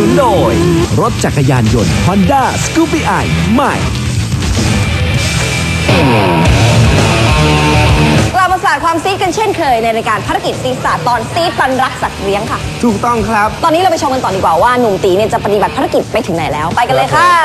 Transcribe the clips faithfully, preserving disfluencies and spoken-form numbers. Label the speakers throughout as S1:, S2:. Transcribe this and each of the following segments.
S1: นโดยรถจักรยานยนต์ Honda Scoopy i ใหม่
S2: กลับมาสาดความซีดกันเช่นเคยในรายการภารกิจซีสาตอนซีดปันรักสัตว์เลี้ยงค่ะ
S3: ถูกต้องครับ
S2: ตอนนี้เราไปชมกันต่อดีกว่าว่าหนุ่มตีเนี่ยจะปฏิบัติภารกิจไปถึงไหนแล้วไปกันเลยค่ะ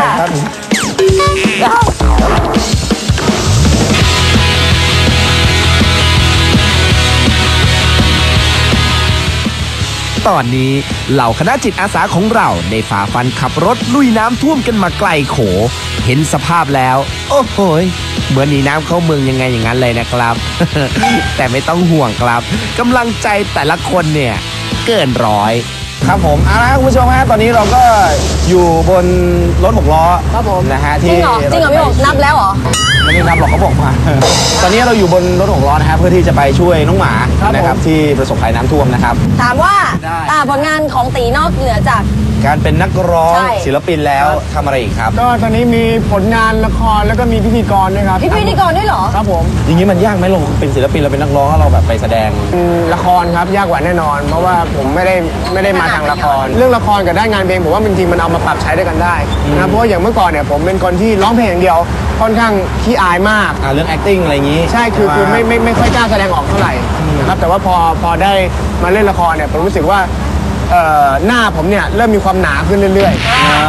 S1: ตอนนี้เหล่าคณะจิตอาสาของเราได้ฝ่าฟันขับรถลุยน้ำท่วมกันมาไกลโขเห็นสภาพแล้วโอ้โหเหมือนหนีน้ำเข้าเมืองยังไงอย่างนั้นเลยนะครับ แต่ไม่ต้องห่วงครับกำลังใจแต่ละคนเนี่ยเกินร้อย
S3: ครับผมเอาละคุณผู้ชมฮะตอนนี้เราก็อยู่บนรถหกล้อ
S2: ครับผม
S3: นะฮะ
S2: ที่จริงเหรอจริงเหรอพี่บอกนับแล้วเหรอ
S3: ไม่ได้นับหรอกเขาบอกมาตอนนี้เราอยู่บนรถหกล้อนะฮะเพื่อที่จะไปช่วยน้องหมานะครับที่ประสบภัยน้ำท่วมนะครับ
S2: ถามว่าผลงานของตีนอกเหนือจาก
S3: การเป็นนักร้องศิลปินแล้วทำอะไรอีกครับ
S4: ก็ตอนนี้มีผลงานละครแล้วก็มีพิธีกรด้วยครับ
S2: พิธีกรด้วยเหรอ
S4: ครับผม
S3: อย่างนี้มันยากไหมเราเป็นศิลปินเราเป็นนักร้องเราแบบไปแสดง
S4: ละครครับยากกว่าแน่นอนเพราะว่าผมไม่ได้ไม่ได้มาทางละครเรื่องละครกับด้านงานเพลงผมว่าจริงๆมันเอามาปรับใช้ด้วยกันได้นะเพราะว่าอย่างเมื่อก่อนเนี่ยผมเป็นคนที่ร้องเพลงอย่างเดียวค่อนข้างขี้อายมาก
S3: เรื่อง acting อะไรอย่างนี้
S4: ใช่คือคือไม่ไม่ไม่ค่อยกล้าแสดงออกเท่าไหร่นะครับแต่ว่าพอพอได้มาเล่นละครเนี่ยผมรู้สึกว่าหน้าผมเนี่ยเริ่มมีความหนาขึ้นเรื่อย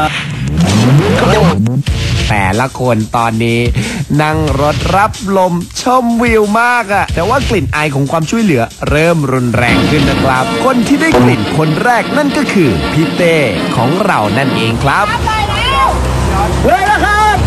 S1: ๆแต่ละคนตอนนี้นั่งรถรับลมชมวิวมากอะแต่ว่ากลิ่นไอของความช่วยเหลือเริ่มรุนแรงขึ้นนะครับคนที่ได้กลิ่นคนแรกนั่นก็คือพี่เต้ของเรานั่นเองครับ
S4: เลยนะครับ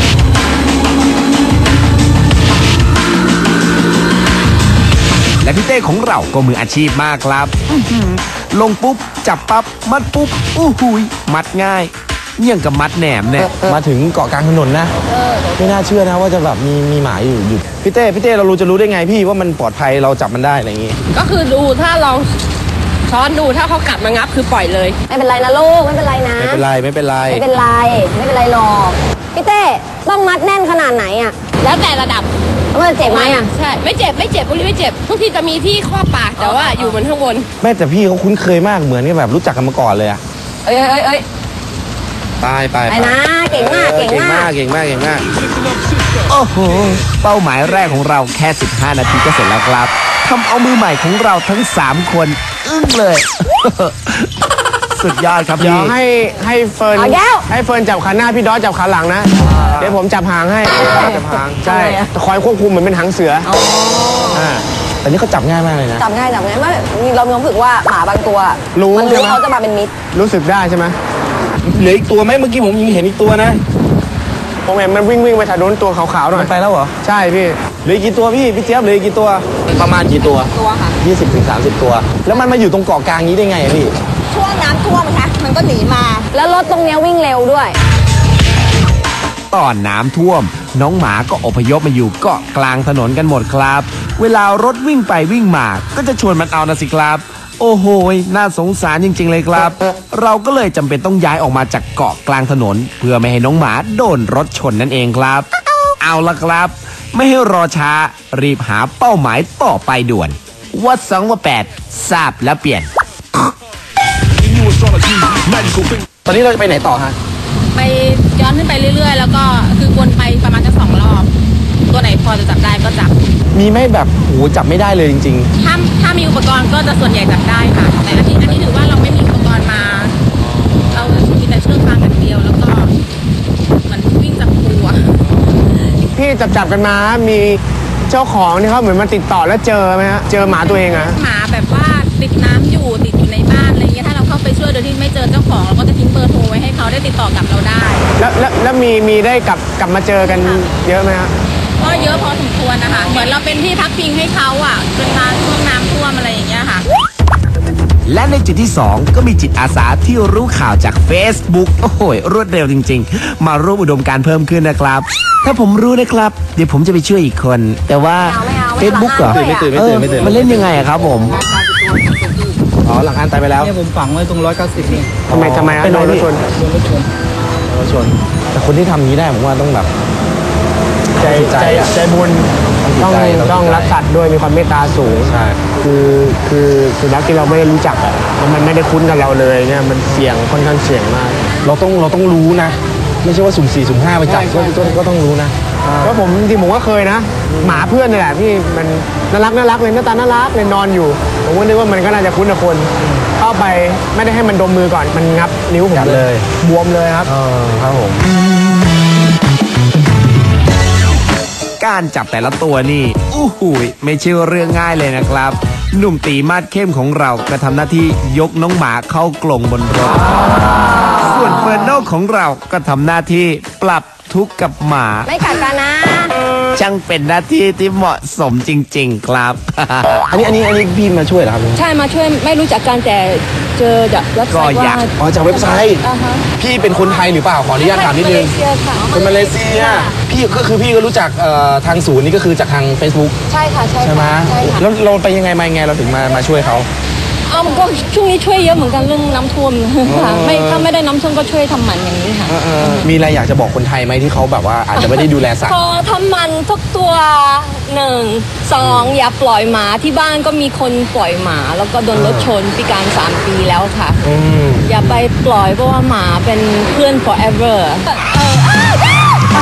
S1: และพี่เต้ของเราก็มืออาชีพมากครับลงปุ๊บจับปั๊บมัดปุ๊บอู้หุยมัดง่ายเยี่ยงกับมัดแหนมเนี่ย
S3: มาถึงเกาะกลางถนนนะไม่น่าเชื่อนะว่าจะแบบมีมีหมาอยู่อยู่พี่เต้พี่เต้เรารู้จะรู้ได้ไงพี่ว่ามันปลอดภัยเราจับมันได้อะไรอย่างงี้
S5: ก็คือดูถ้าลองช้อนดูถ้าเขากัดมางับคือปล่อยเลย
S2: ไม่เป็นไรนะลูกไม่เป็นไรนะ
S3: ไม่เป็นไรไม่เป็นไร
S2: ไม่เป็นไรไม่เป็นไรหรอกพี่เต้ต้องมัดแน่นขนาดไหนอ่ะ
S5: แล้วแต่ระดับ
S2: มันเจ็บไหมอ่ะ
S5: ใช่ไม่เจ็บไม่เจ็บพวกนี้ไม่เจ็บทุกทีจะมีที่ข้อปากแต่ว่าอยู่บนข้างบน
S3: แม่แต่พี่เขาคุ้นเคยมากเหมือนกับแบบรู้จักกันมาก่อนเลยอะ
S2: เอ้ยเอ้ยเอ้ย
S3: ตายไป
S2: ไปนะเก่งมากเก่งมาก
S3: เก่งมากเก่งมาก
S1: โอ้โหเป้าหมายแรกของเราแค่สิบห้านาทีก็เสร็จแล้วครับทำเอามือใหม่ของเราทั้งสามคนอึ้งเลยสุดยอดครับพี่
S4: เดี๋ยวให้ให้เฟิร์นให้เฟิร์นจับขาหน้าพี่ดอสจับขาหลังนะเดี๋ยวผมจับหางให้จับหางใช่คอยควบคุมเหมือนเป็นหางเสือ
S3: อ่าแต่นี่เขาจับง่ายมากเลยนะ
S2: จับง่ายจับง่ายมากเรามีความรู้สึกว่าหมาบางตัวมันรู้เขาจะมาเป็นมิตร
S4: รู้สึกได้ใช่ไหม
S3: เหลืออีกตัวไหมเมื่อกี้ผมยังเห็นอีกตัวนะ
S4: ผมเห็นมันวิ่งวิ่งไปถนนตัวขาวๆหน่อย
S3: ไปแล้วเหรอ
S4: ใช่พี่
S3: เหลือกี่ตัวพี่พี่เจี๊ยบเหลือกี่ตัวประมาณกี่ตัว
S2: ตัวค่ะ
S3: ยี่สิบถึงสามสิบตัวแล้วมันมาอยู่ตรงเกาะกลางนี้ได้ไงพี่
S2: ช่วงน้ำท่วมค่ะมันก็หนีมาแล้วรถตรงนี้วิ่งเร็วด้วย
S1: ตอนน้ำท่วมน้องหมาก็อพยพมาอยู่เกาะกลางถนนกันหมดครับเวลารถวิ่งไปวิ่งมาก็จะชวนมันเอานะสิครับโอ้โหน่าสงสารจริงๆเลยครับเราก็เลยจำเป็นต้องย้ายออกมาจากเกาะกลางถนนเพื่อไม่ให้น้องหมาโดนรถชนนั่นเองครับเอาละครับไม่ให้รอช้ารีบหาเป้าหมายต่อไปด่วนวัดสองว่าแปดทราบแล้วเปลี่ยน
S3: ตอนนี้เราจะไปไหนต่อฮะ
S5: ไปย้อนขึ้นไปเรื่อยๆแล้วก็คือวนไปประมาณจะสองรอบตัวไหนพอจะจับได้ก็จับ
S3: มีไม่แบบโหจับไม่ได้เลยจริง
S5: ๆถ้าถ้ามีอุปกรณ์ก็จะส่วนใหญ่จับได้ค่ะแต่อันนี้อันนี้ถือว่าเราไม่มีอุปกรณ์มาเรามีแต่เชือกฟางอย่างเดียวแล้วก็มันวิ่งจับตัว
S4: พี่จับจับกันมามีเจ้าของนี่เขาเหมือนมาติดต่อแล้วเจอไหมฮะเจอหมาตัวเองอะ
S5: หมาแบบว่าติดน้ำอยู่ติดอยู่ในบ้านอะไรเงี้ยถ้าเราเข้าไปช่วยโดยที่ไม่เจอเจ้าของเราก็จะทิ้งเบอร์โทรไว้ให้เขาได้ติดต่อกับเราได้
S4: แล้วแล้วแล้วมีมีได้กลับกลับมาเจอกันเยอะไหมฮะ
S5: ก็เยอะพอสมควรนะคะเหมือนเราเป็นที่พักพิงให้เขาอ่ะจนมาช่วงน้ำท่วมอะไรอย่างเงี้ยค่ะ
S1: และในจุดที่สองก็มีจิตอาสาที่รู้ข่าวจาก Facebook โอ้โหรวดเร็วจริงๆมาร่วมอุดมการณ์เพิ่มขึ้นนะครับถ้าผมรู้นะครับเดี๋ยวผมจะไปช่วยอีกคนแต่ว่า Facebook เหรอ
S3: ไม่ตื่นไม่ตื่นไม่ตื่น
S1: มันเล่นยังไงอะครับผม
S3: อ๋อหลังอันตายไปแล้ว
S6: เนี่ยผมฝังไว้ตรงร้อยเก้าสิบนี่
S4: ทำไมทำไม
S3: เป็นรถชน
S6: รถชน
S3: รถชนแต่คนที่ทำนี้ได้ผมว่าต้องแบบ
S4: ใจใจใจบุญต้อง
S3: จิตใจ
S4: ต้องรักสัตว์ด้วยมีความเมตตาสูง
S3: ใช่
S4: คือคือสุนัขที่เราไม่ได้รู้จักอะมันไม่ได้คุ้นกับเราเลยเนี่ยมันเสี่ยงค่อนข้างเสี่ยงมาก
S3: เราต้องเราต้องรู้นะ ไม่ใช่ว่าสุ่มสี่สุ่มห้าไปจับ
S4: ใช่
S3: ก็
S4: ใช่
S3: ก็ก็ต้องรู้นะ
S4: เพราะผมจริงๆผมก็เคยนะ หมาเพื่อนนี่แหละพี่มันน่ารักน่ารักเลยหน้าตาน่ารักเลยนอนอยู่ ผมก็นึกว่ามันก็น่าจะคุ้นกับคน เข้าไปไม่ได้ให้มันดมมือก่อนมันงับนิ้วผม
S3: กัดเลย
S4: บวมเลยครับ
S3: เออครับผม
S1: การจับแต่ละตัวนี่อู้หูยไม่ใช่เรื่องง่ายเลยนะครับ หนุ่มตีมาดเข้มของเราก็ทำหน้าที่ยกน้องหมาเข้ากรงบนรถ ส่วนเฟิร์นโนของเราก็ทำหน้าที่ปรับทุกข์กับหมา
S2: ไม่กัดกันนะ
S1: ช่างเป็นหน้าที่ที่เหมาะสมจริงๆครับ
S3: อันนี้อันนี้อันนี้พี่มาช่วยเหรอครับ
S6: ใช่มาช่วยไม่รู้จักกันแต่เจอจากเว็บไซต์
S1: ก็อยา
S6: ว่าก
S3: อ๋อจากเว็บไซต์
S6: อ่าฮะ
S3: พี่เป็นคนไทยหรือเปล่าขออนุญาตถามนิดนึง
S6: เซียค่ะ
S3: เป็นมาเลเซีย พี่ก็คือพี่ก็รู้จักเอ่อทางศูนย์นี่ก็คือจากทาง Facebook
S6: ใช่ค่ะใช่
S3: ใช่ไหม
S6: ค่ะใช่ค่ะ
S3: แล้วเราไปยังไงมายังไงเราถึงมามาช่วยเขา
S6: อ้าวก็ช่วงนี้ช่วยเยอะเหมือนกันเรื่องน้ำท่วมค่ะไม่ถ้าไม่ได้น้ำท่วมก็ช่วยทำหมันอย่างนี้ค่ะ
S3: มีอะไรอยากจะบอกคนไทยไหมที่เขาแบบว่าอาจจะไม่ได้ดูแลสัตว์
S6: พอทำหมันทุกตัวหนึ่งสองอย่าปล่อยหมาที่บ้านก็มีคนปล่อยหมา แล้วก็โดนรถชนพิการสามปีแล้วค่ะ อย่าไปปล่อยเพราะว่าหมาเป็นเพื่อน forever เออ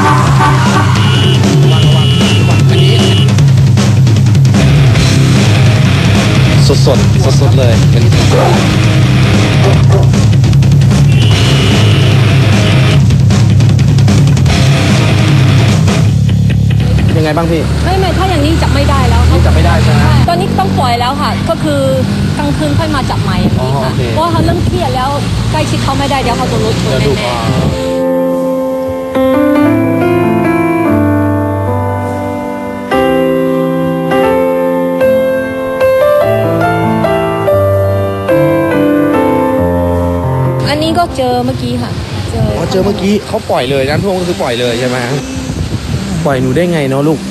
S3: สดสดสดสดๆเลยเป็นยังไงบ้างพี่
S6: ไม่ไม่ถ้าอย่างนี้จับไม่ได้แล้วค่ะ
S3: จับไม่ได้ใช่ไหม
S6: ตอนนี้ต้องปล่อยแล้วค่ะ ก็คือกลางคืนค่อยมาจับใหม่อย่างนี้
S3: อ๋อ
S6: ค่ะ
S3: โอเค
S6: เพราะว่าเขาเริ่มเครียดแล้วใกล้ชิดเขาไม่ได้เดี๋ยวเขาโดนรถชน
S3: เดี๋ยวดู
S6: แน่
S3: อ่า
S6: ๆอันนี้ก็เจอเมื่อกี้ค่ะ เจอ
S3: อ๋อเจอเมื่อกี้เขาปล่อยเลยน้ำท่วมก็คือปล่อยเลยใช่ไหมปล่อยหนูได้ไงเนาะลูก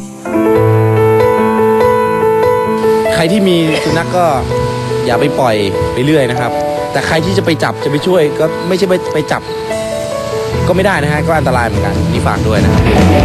S3: ใครที่มีสุนัขก็อย่าไปปล่อยไปเรื่อยนะครับ แต่ใครที่จะไปจับจะไปช่วยก็ไม่ใช่ไปไปจับ ก็ไม่ได้นะฮะก็อันตรายเหมือนกันนี่ฝากด้วยนะครับ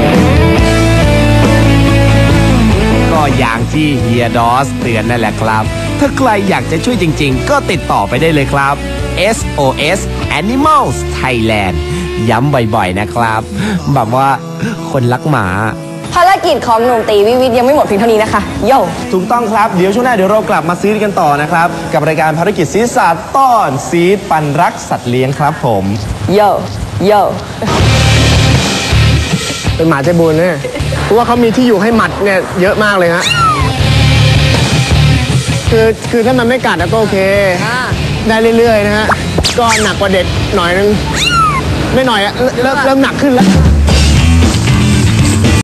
S1: ก็อย่างที่เฮียดอสเตือนนั่นแหละครับ ถ้าใครอยากจะช่วยจริงๆ ก็ติดต่อไปได้เลยครับ เอส โอ เอส Animals Thailand ย้ำบ่อยๆนะครับ แบบว่าคนรักหมา
S2: ภารกิจของหนุ่มตีวิวิทย์ยังไม่หมดเพียงเท่านี้นะคะ โย่
S3: ถูกต้องครับ เดี๋ยวช่วงหน้าเดี๋ยวเรากลับมาซีดกันต่อนะครับ กับรายการภารกิจซีดสัตว์ต้อนซีดปันรักสัตว์เลี้ยงครับผม
S2: โย่โย่
S4: เป็นหมาใจบุญเนี่ยเพราะว่าเขามีที่อยู่ให้หมัดเนี่ยเยอะมากเลยฮะคือคือถ้ามันไม่กัดก็โอเค ได้เรื่อยๆนะฮะก็หนักกว่าเด็กหน่อยนึงไม่หน่อยอะเริ่มเริ่มหนักขึ้นแล้ว